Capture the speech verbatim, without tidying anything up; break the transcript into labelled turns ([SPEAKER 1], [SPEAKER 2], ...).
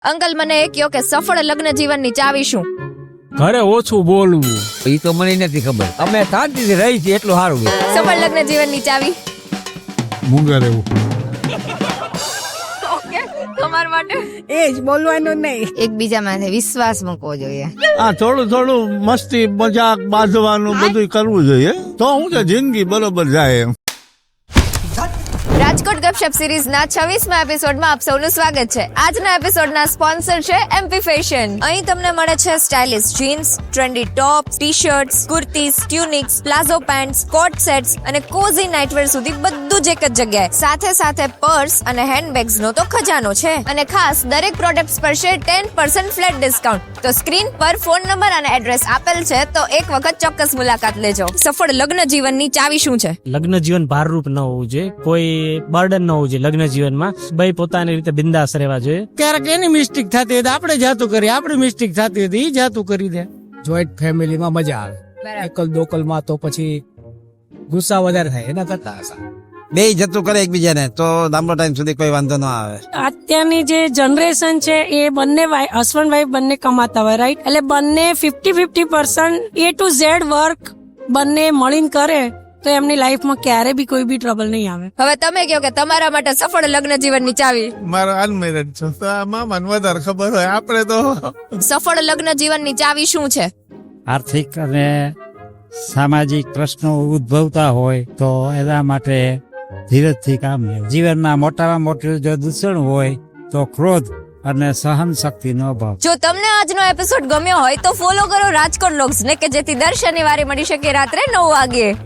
[SPEAKER 1] Uncle મને એ કહો કે સફળ લગ્ન જીવનની ચાવી શું?
[SPEAKER 2] ઘરે ઓછું બોલવું.
[SPEAKER 3] એ તો મને નથી ખબર. અમે શાંતિથી રહી છીએ એટલું સારું.
[SPEAKER 1] સફળ લગ્ન જીવનની ચાવી
[SPEAKER 2] મૂંગા રહેવું.
[SPEAKER 1] ઓકે, તમારા માટે
[SPEAKER 4] એ જ બોલવાનું નહીં.
[SPEAKER 5] એકબીજા માથે વિશ્વાસ મૂકવો જોઈએ.
[SPEAKER 6] હા, થોડું થોડું મસ્તી મજાક બાંધવાનું બધું કરવું જોઈએ, તો હું કે જિંદગી બરોબર જાય એમ.
[SPEAKER 1] રાજકોટ ગપશપ સિરીઝના છવ્વીસમા એપિસોડમાં આપ સૌનું સ્વાગત છે. આજના એપિસોડના સ્પોન્સર છે એમપી ફેશન. અહીં તમને મળે છે stylish jeans, trendy tops, T-shirts, kurtis, tunics, palazzo pants, coat sets અને કોઝી નાઇટવેર સુધી બધું જ એક જ જગ્યાએ. સાથે સાથે પર્સ અને હેન્ડબેગ્સ નો તો ખજાનો છે. અને ખાસ દરેક પ્રોડક્ટ્સ પર છે ટેન પર્સન્ટ ફ્લેટ ડિસ્કાઉન્ટ. તો સ્ક્રીન પર ફોન નંબર અને એડ્રેસ આપેલ છે, તો એક વખત ચોક્કસ મુલાકાત લેજો. સફળ લગ્ન જીવનની ચાવી શું છે?
[SPEAKER 7] લગ્ન જીવન ભારરૂપ ન હોવું જોઈએ, કોઈ બર્ડન ન હોવું જોઈએ. લગ્ન જીવનમાં ભાઈ પોતાની રીતે બિંદાસ રહેવા જોઈએ.
[SPEAKER 8] ક્યારેક એની મિસ્ટેક થતી હોય તો આપણે જાતું કરીએ, આપણી મિસ્ટેક થતી હોય તો એ જાતું કરી દે.
[SPEAKER 9] જોઈન્ટ ફેમિલીમાં મજા આવે. એકલ દોકલ માં તો પછી ગુસ્સા વધારે થાય એના કરતા
[SPEAKER 3] બે જતું કરે એકબીજાને તો લાંબો ટાઈમ સુધી કોઈ વાંધો ન આવે.
[SPEAKER 4] અત્યારની જે જનરેશન છે એ બંને હસબન્ડ વાઈફ બંને કમાતા હોય, રાઈટ? એટલે બંને fifty fifty percent A to Z work બંને મળીને કરે તો એમની લાઈફમાં ક્યારે બી કોઈ બી ટ્રબલ નહીં આવે.
[SPEAKER 1] હવે તમે કહો કે તમારા માટે સફળ લગ્ન જીવનની ચાવી.
[SPEAKER 6] મારો અનમેરેડ છે તો આમાં મને વધારે ખબર હોય. આપણે તો
[SPEAKER 1] સફળ લગ્ન જીવનની ચાવી શું છે?
[SPEAKER 10] આર્થિક અને સામાજિક પ્રશ્નો ઉદ્ભવતા હોય તો એના માટે ધીરજથી કામ લેવું. જીવનમાં મોટામાં મોટું જો દૂષણ હોય તો ક્રોધ અને સહન શક્તિનો અભાવ.
[SPEAKER 1] જો તમને આજનો એપિસોડ ગમ્યો હોય તો ફોલો કરો રાજકોટ લોગ્સ ને, કે જેથી દર શનિવારે મળી શકે રાત્રે નવ વાગે.